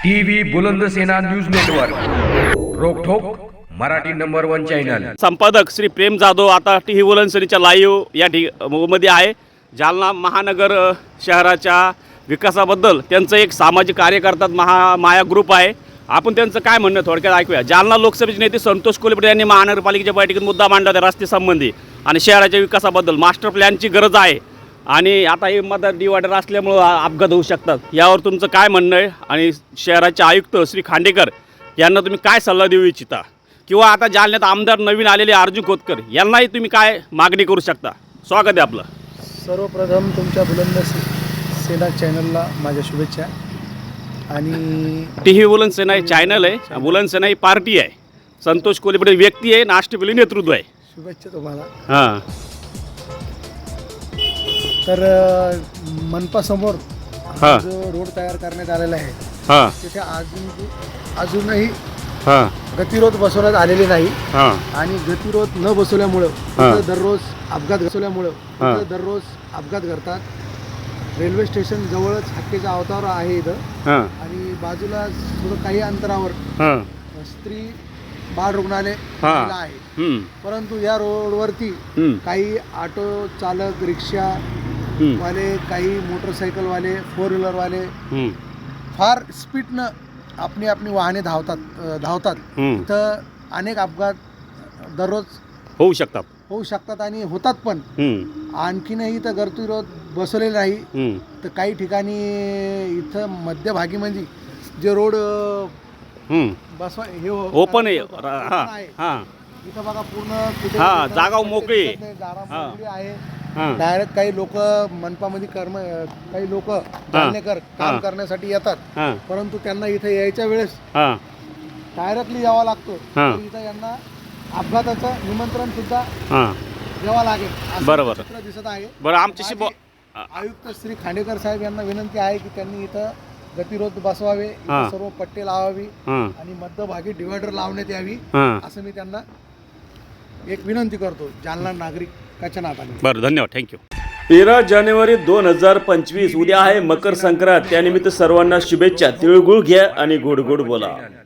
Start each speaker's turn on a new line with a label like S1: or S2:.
S1: TV Bulandsena news network रोकठोक Marathi number 1 channel.
S2: संपादक श्री प्रेम जाधव आता टीव्ही बुलंदसेनेच्या लाईव्ह या मध्ये आहे। जालना महानगर शहराच्या विकासाबद्दल त्यांचं एक सामाजिक कार्य करतात माया ग्रुप आहे। आपण त्यांचं काय म्हणणं थोडक्यात ऐकूया। जालना लोकसभेचे नेते संतोष कोल्हेपुरे यांनी महानगरपालिकेच्या बैठकीत मुद्दा मांडला होता रस्ते संबंधी आणि शहराच्या विकासाबद्दल मास्टर प्लॅनची गरज आहे आणि आता हे मतदार डिवायडर असल्यामुळे अपघात होऊ शकतात। यावर तुमचं काय म्हणणं आहे आणि शहराचे आयुक्त श्री खांडेकर यांना तुम्ही काय सल्ला देऊ इच्छिता किंवा आता जालन्यात आमदार नवीन आलेले अर्जुन खोतकर यांनाही तुम्ही काय मागणी करू शकता? स्वागत आहे आपलं।
S3: सर्वप्रथम तुमच्या बुलंदसेना चॅनलला माझ्या शुभेच्छा। आणि
S2: टीव्ही बुलंदसेना हे चॅनल आहे, बुलंदसेना ही पार्टी आहे, संतोष कोल्हेपुरे व्यक्ती आहे, नाष्टपिली नेतृत्व आहे।
S3: शुभेच्छा तुम्हाला।
S2: हां,
S3: तर मनपासमोर
S2: हां
S3: जो रोड तयार करण्यात आलेला आहे
S2: हां
S3: तिथे अजूनही
S2: हां
S3: गतिरोध बसवण्यात आलेले नाही
S2: हां
S3: आणि गतिरोध न बसवल्यामुळं तिथं दररोज अपघात घडतात। रेल्वे स्टेशन जवळच हत्तीचा अवतार आहे इथं
S2: हां
S3: आणि बाजूला थोडं काही अंतरावर
S2: हां
S3: स्त्री बाळ रुग्णालय
S2: हां.
S3: आहे। परंतु या रोडवरती काही ऑटो चालक, रिक्षा वाले, काही मोटरसायकलवाले, 4 व्हीलरवाले फार स्पीडनं आपली वाहने धावतात। तर अनेक अपघात दररोज
S2: होऊ शकतात
S3: आणि होतात पण। आणखीनही तर गतिरोध बसवलेले नाही। तर काही ठिकाणी इथं मध्यभागी म्हणजे जे रोड बसवा हे
S2: ओपन आहे। हां
S3: इथं बघा पूर्ण कुठे
S2: हां, जागा मोकळी आहे।
S3: जागा मोकळी आहे। डायरेक्ट काही लोक मनपामध्ये काही लोक जालनेकर काम करण्यासाठी येतात, परंतु त्यांना इथे यायच्या वेळेस डायरेक्टली यावं लागतो। तर इथं यांना अपघाताचं निमंत्रण सुद्धा द्यावं लागेल असं
S2: बरोबर
S3: चित्र दिसत आहे।
S2: बरं, आमच्याशी
S3: आयुक्त श्री खांडेकर साहेब यांना विनंती आहे की त्यांनी इथं गतिरोध बसवावे, इथं सर्व पट्टे लावावी आणि मध्यभागी डिवायडर लावण्यात यावी असं मी त्यांना एक विनंती करतो जालना नागरिकाच्या नात्याने।
S2: बरं, धन्यवाद, थँक्यू। 13 जानेवारी 2025 उद्या आहे मकर संक्रांत। त्यानिमित्त सर्वांना शुभेच्छा। तिळगुळ घ्या आणि गोड गोड बोला।